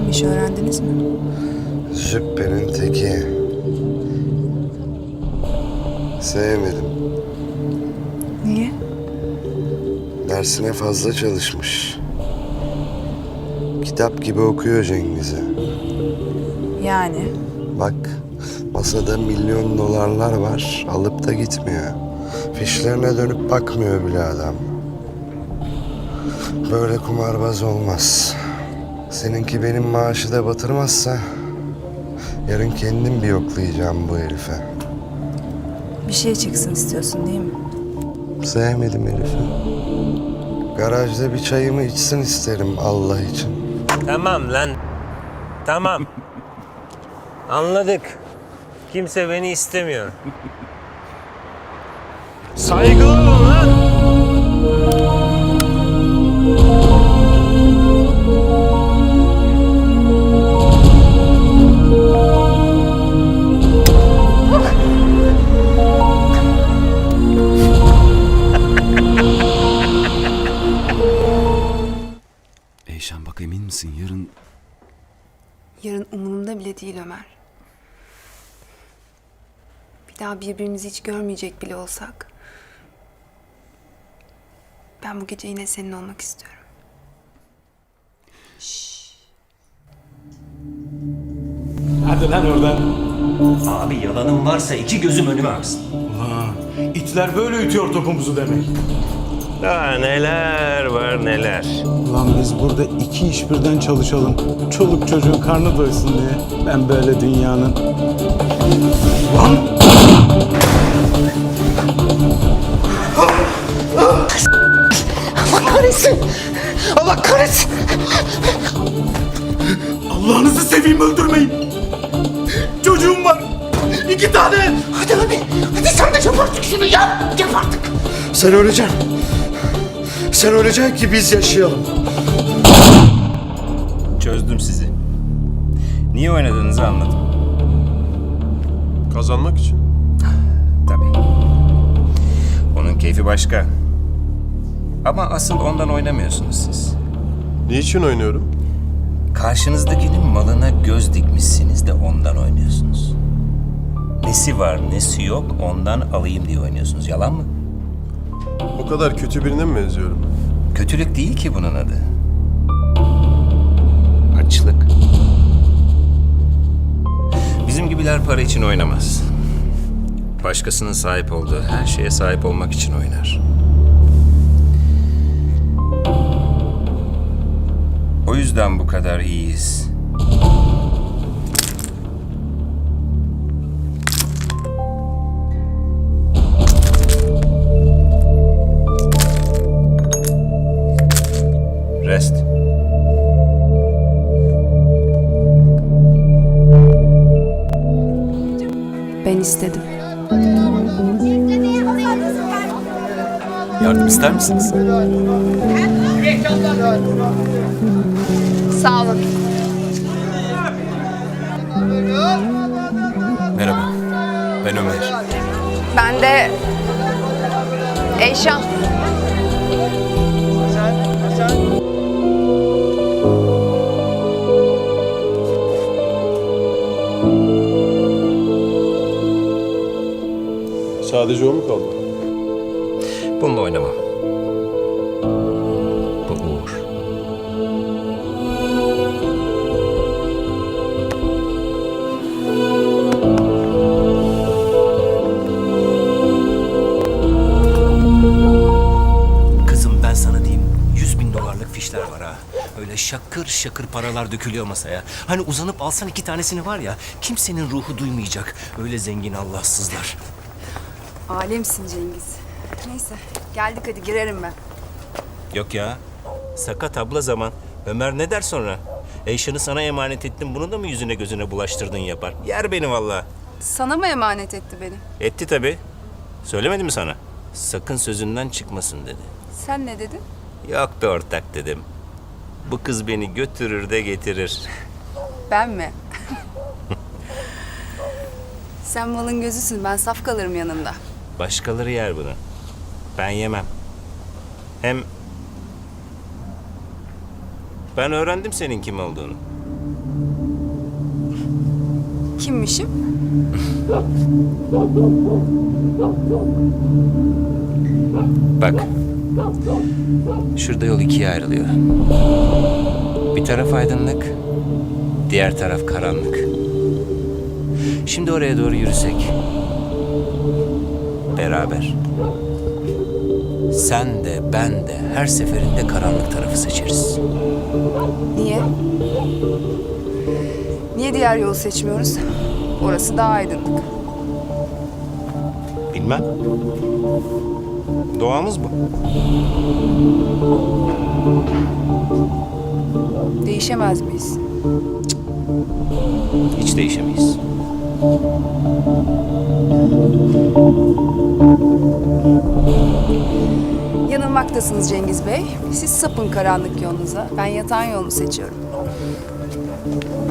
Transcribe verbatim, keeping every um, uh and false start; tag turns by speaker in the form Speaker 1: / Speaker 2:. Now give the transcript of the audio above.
Speaker 1: Kimmiş öğrendiniz mi?
Speaker 2: Züppe'nin teki. Sevmedim.
Speaker 1: Niye?
Speaker 2: Dersine fazla çalışmış. Kitap gibi okuyor Cengiz'i.
Speaker 1: Yani?
Speaker 2: Bak, masada milyon dolarlar var, alıp da gitmiyor. Fişlerine dönüp bakmıyor bile adam. Böyle kumarbaz olmaz. Seninki benim maaşı da batırmazsa... yarın kendim bir yoklayacağım bu herife.
Speaker 1: Bir şey çıksın istiyorsun değil mi?
Speaker 2: Sevmedim herifi. Garajda bir çayımı içsin isterim Allah için.
Speaker 3: Tamam lan. Tamam. Anladık. Kimse beni istemiyor. Saygılı olun lan.
Speaker 4: Eyşan bak, emin misin yarın?
Speaker 1: Yarın umurumda bile değil Ömer. Bir daha birbirimizi hiç görmeyecek bile olsak... ben bu gece yine senin olmak istiyorum.
Speaker 5: Hadi lan oradan.
Speaker 6: Abi yalanın varsa iki gözüm önüme aksın.
Speaker 5: Ulan itler böyle ütüyor topumuzu demek.
Speaker 3: Daha neler var neler.
Speaker 5: Ulan biz burada iki iş birden çalışalım. Çoluk çocuğun karnı doysun diye. Ben böyle dünyanın... Lan!
Speaker 7: Allah kahretsin! Allah kahretsin!
Speaker 5: Allah'ınızı seveyim, öldürmeyin! Çocuğum var! İki tane!
Speaker 7: Hadi hadi! Hadi sen de yap artık şunu, yap! Yap artık!
Speaker 2: Sen öleceksin. Sen öleceksin ki biz yaşayalım.
Speaker 3: Çözdüm sizi. Niye oynadığınızı anladım.
Speaker 8: Kazanmak için.
Speaker 3: Tabii. Onun keyfi başka. Ama asıl ondan oynamıyorsunuz siz.
Speaker 8: Niçin oynuyorum?
Speaker 3: Karşınızdakinin malına göz dikmişsiniz de ondan oynuyorsunuz. Nesi var nesi yok ondan alayım diye oynuyorsunuz. Yalan mı?
Speaker 8: O kadar kötü birine mi benziyorum?
Speaker 3: Kötülük değil ki bunun adı. Açlık. Bizim gibiler para için oynamaz. Başkasının sahip olduğu her şeye sahip olmak için oynar. O yüzden bu kadar iyiyiz. Rest.
Speaker 1: Ben istedim.
Speaker 4: Yardım ister misiniz?
Speaker 1: Sağ olun.
Speaker 4: Merhaba, ben Ömer.
Speaker 1: Ben de... Eyşan.
Speaker 8: Sadece o mu kaldı?
Speaker 3: Bununla oynamam. Bu Uğur.
Speaker 6: Kızım ben sana diyeyim, yüz bin dolarlık fişler var ha. Öyle şakır şakır paralar dökülüyor masaya. Hani uzanıp alsan iki tanesini var ya, kimsenin ruhu duymayacak. Öyle zengin Allahsızlar.
Speaker 1: Alemsin Cengiz. Neyse geldik hadi girerim ben.
Speaker 3: Yok ya. Sakat abla zaman. Ömer ne der sonra? Eyşan'ı sana emanet ettim. Bunu da mı yüzüne gözüne bulaştırdın yapar? Yer beni vallahi.
Speaker 1: Sana mı emanet etti beni?
Speaker 3: Etti tabii. Söylemedi mi sana? Sakın sözünden çıkmasın dedi.
Speaker 1: Sen ne dedin?
Speaker 3: Yok be ortak dedim. Bu kız beni götürür de getirir.
Speaker 1: Ben mi? Sen malın gözüsün, ben saf kalırım yanında.
Speaker 3: Başkaları yer bunu. Ben yemem. Hem ben öğrendim senin kim olduğunu.
Speaker 1: Kimmişim?
Speaker 3: Bak. Şurada yol ikiye ayrılıyor. Bir taraf aydınlık, diğer taraf karanlık. Şimdi oraya doğru yürüsek. Beraber. Sen de ben de her seferinde karanlık tarafı seçeriz.
Speaker 1: Niye? Niye diğer yolu seçmiyoruz? Orası daha aydınlık.
Speaker 3: Bilmem. Doğamız bu.
Speaker 1: Değişemez miyiz?
Speaker 3: Hiç değişemeyiz.
Speaker 1: Yanılmaktasınız Cengiz Bey. Siz sapın karanlık yolunuza. Ben yatan yolunu seçiyorum.